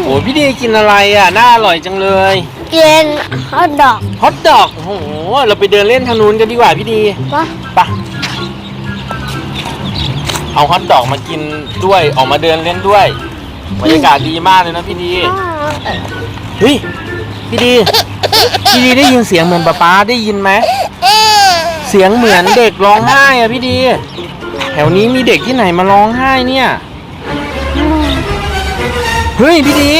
โอ้พี่ดีกินอะไรอ่ะน่าอร่อยจังเลยกินฮอทดอกฮอทดอกโอ้โหเราไปเดินเล่นทางนู้นกันดีกว่าพี่ดีไปเอาฮอทดอกมากินด้วยออกมาเดินเล่นด้วยบรรยากาศดีมากเลยนะพี่ดีเฮ้ยพี่ดีได้ยินเสียงเหมือนป๊าได้ยินไหมเสียงเหมือนเด็กร้องไห้อ่ะพี่ดีแถวนี้มีเด็กที่ไหนมาร้องไห้เนี่ยเฮ้ยพี่ดี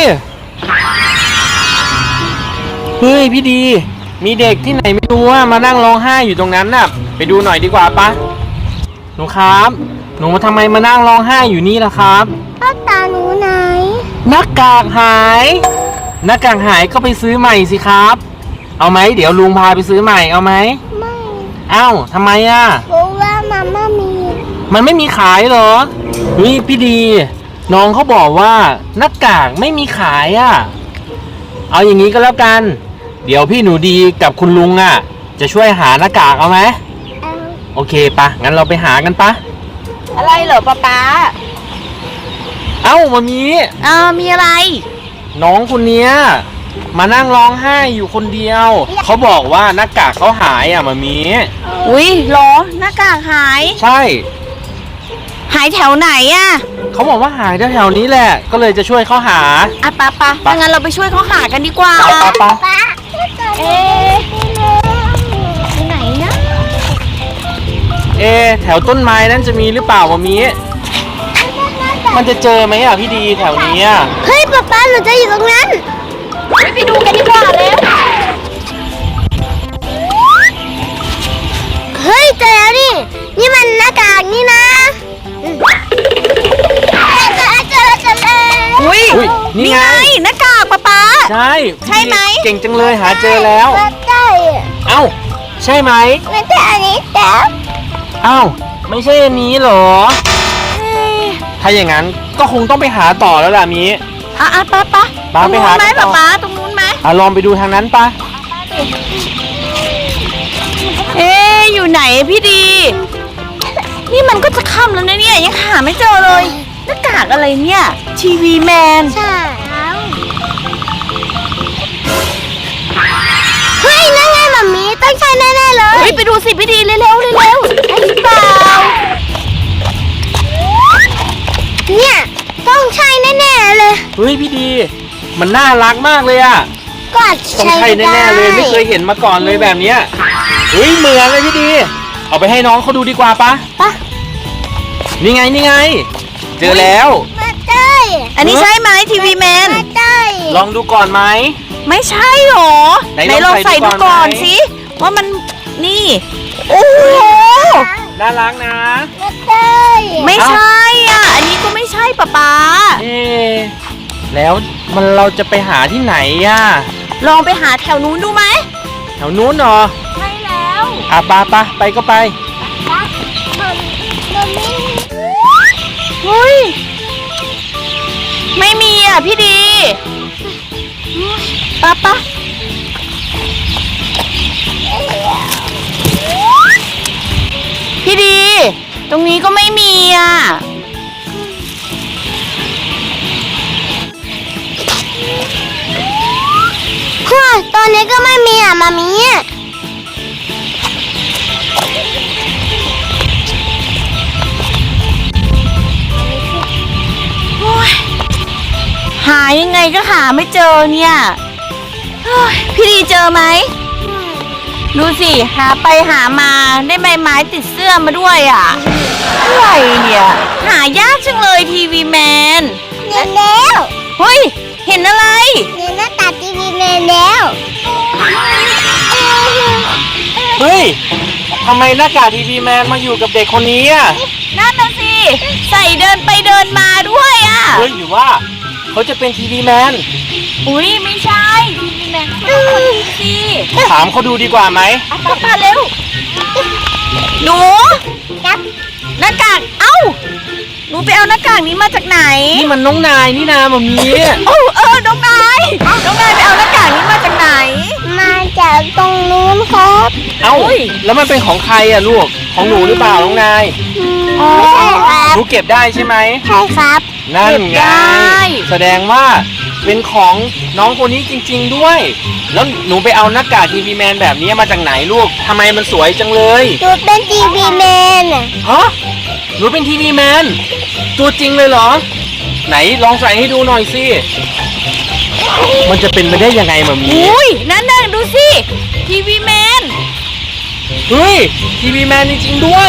มีเด็กที่ไหนไม่รู้ว่ามานั่งร้องไห้อยู่ตรงนั้นน่ะไปดูหน่อยดีกว่าปะหนูครับหนูทำไมมานั่งร้องไห้อยู่นี่ล่ะครับหน้าตาหนูไหนหน้ากากหายก็ไปซื้อใหม่สิครับเอาไหมเดี๋ยวลุงพาไปซื้อใหม่เอาไหมไม่เอ้าทำไมอ่ะเพราะว่ามันไม่มีขายเหรอเฮ้ยพี่ดีน้องเขาบอกว่าหน้ากากไม่มีขายอ่ะเอาอย่างนี้ก็แล้วกันเดี๋ยวพี่หนูดีกับคุณลุงอ่ะจะช่วยหาหน้ากากเอาไหมโอเคปะงั้นเราไปหากันปะอะไรเหรอป๊าเอ้ามามีมีอะไรน้องคนเนี้ยมานั่งร้องไห้อยู่คนเดียวเขาบอกว่าหน้ากากเขาหายอ่ะมามีอุ้ยเหรอหน้ากากหายใช่หายแถวไหนอ่ะเขาบอกว่าหายแถวนี้แหละก็เลยจะช่วยเขาหาปะงั้นเราไปช่วยเขาหากันดีกว่าปะไหนนะแถวต้นไม้นั้นจะมีหรือเปล่ามามีมันจะเจอไหมอ่ะพี่ดีแถวนี้เฮ้ยป๊าเราจะอยู่ตรงนั้นไปดูกันดีกว่าเลยเฮ้ยเจอแล้วนี่มันหน้ากากนี่นะอุ้ยนี่ไงหน้ากากป๊าใช่ไหมเก่งจังเลยหาเจอแล้วใช่เอ้าใช่ไหมไม่ใช่อันนี้แต่เอ้าไม่ใช่อันนี้เหรอถ้าอย่างนั้นก็คงต้องไปหาต่อแล้วล่ะมีป๊าไปหาไหมป๊าตรงนู้นไหมลองไปดูทางนั้นปะอยู่ไหนพี่ดีนี่มันก็จะค่ำแล้วนะเนี่ยยังหาไม่เจอเลยหน้ากากอะไรเนี่ยทีวีแมนใช่เฮ้ยนั่นไงมัมมี่ต้องใช่แน่ๆเลยไปดูสิพี่ดีเร็วไอ้เปล่าเนี่ยต้องใช่แน่ๆเลยเฮ้ยพี่ดีมันน่ารักมากเลยอ่ะก็ต้องใช่แน่ๆเลยไม่เคยเห็นมาก่อนเลยแบบเนี้ยเฮ้ยเหมือนเลยพี่ดีเอาไปให้น้องเขาดูดีกว่าปะนี่ไงเจอแล้วไม่ใช่อันนี้ใช่ไหมทีวีแมนไม่ใช่ลองดูก่อนไหมไม่ใช่หรอไหนลองใส่ดูก่อนสิว่ามันนี่โอ้โหน่ารักนะไม่ใช่อันนี้ก็ไม่ใช่ป๊าแล้วเราจะไปหาที่ไหนลองไปหาแถวนู้นดูไหมแถวนู้นเหรอใช่แล้วไปก็ไปเฮ้ยไม่มีพี่ดีป๊าพี่ดีตรงนี้ก็ไม่มีตอนนี้ก็ไม่มีมามีหายังไงก็หาไม่เจอเนี่ยพี่ดีเจอไหมดูสิหาไปหามาได้ใบไม้ติดเสื้อมาด้วยอะไรเนี่ยหายากจังเลยทีวีแมนเห็นแล้วเฮ้ยเห็นอะไรเห็นหน้าตาทีวีแมนแล้วเฮ้ยทำไมหน้ากากทีวีแมนมาอยู่กับเด็กคนนี้นั่นน่ะสิใส่เดินไปเดินมาด้วยเฮ้ยหรือว่าเขาจะเป็นทีวีแมนอุ้ยไม่ใช่ทีวีแมนเขาเป็นคนนี้สิถามเขาดูดีกว่าไหมมาเร็วหนูหน้ากากหนูไปเอาหน้ากากนี้มาจากไหนนี่มันน้องนายนี่นาแบบนี้น้องนายไปเอาหน้ากากนี้มาจากไหนมาจากตรงนู้นครับแล้วมันเป็นของใครลูกของหนูหรือเปล่าน้องนายใช่ครับหนูเก็บได้ใช่ไหมใช่ครับนั่นไงแสดงว่าเป็นของน้องคนนี้จริงๆด้วย แล้วหนูไปเอาหน้ากากทีวีแมนแบบนี้มาจากไหนลูกทำไมมันสวยจังเลยหนูเป็นทีวีแมนอ่ะฮะหนูเป็นทีวีแมนตัวจริงเลยเหรอ ไหนลองใส่ให้ดูหน่อยสิมันจะเป็นไปได้ยังไงมามีอุ้ยนั่นดูสิทีวีแมนเฮ้ยทีวีแมนจริงๆด้วย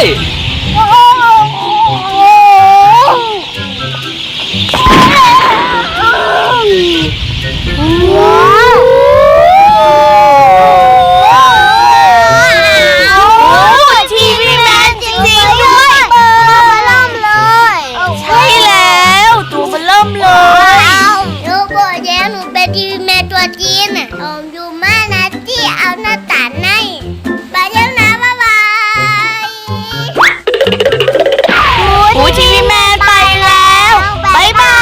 ว้าวทีวีแมนจริงๆด้ด้ววย ยเบอร์เริ่มเลยใช่แล้วตัวมันเริ่มเลยหนูบอกแล้วหนูเป็นทีวีแมนตัวจริงอ่ะอยู่มานะที่เอาหน้าตาในไปแล้วนะบ๊ายบายโอ้ยทีวีแมนไปแล้วบายบาย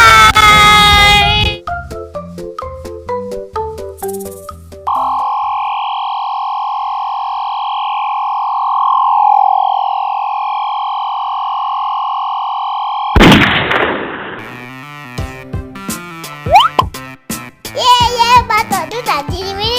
เย้มาต่อดูจากทีวี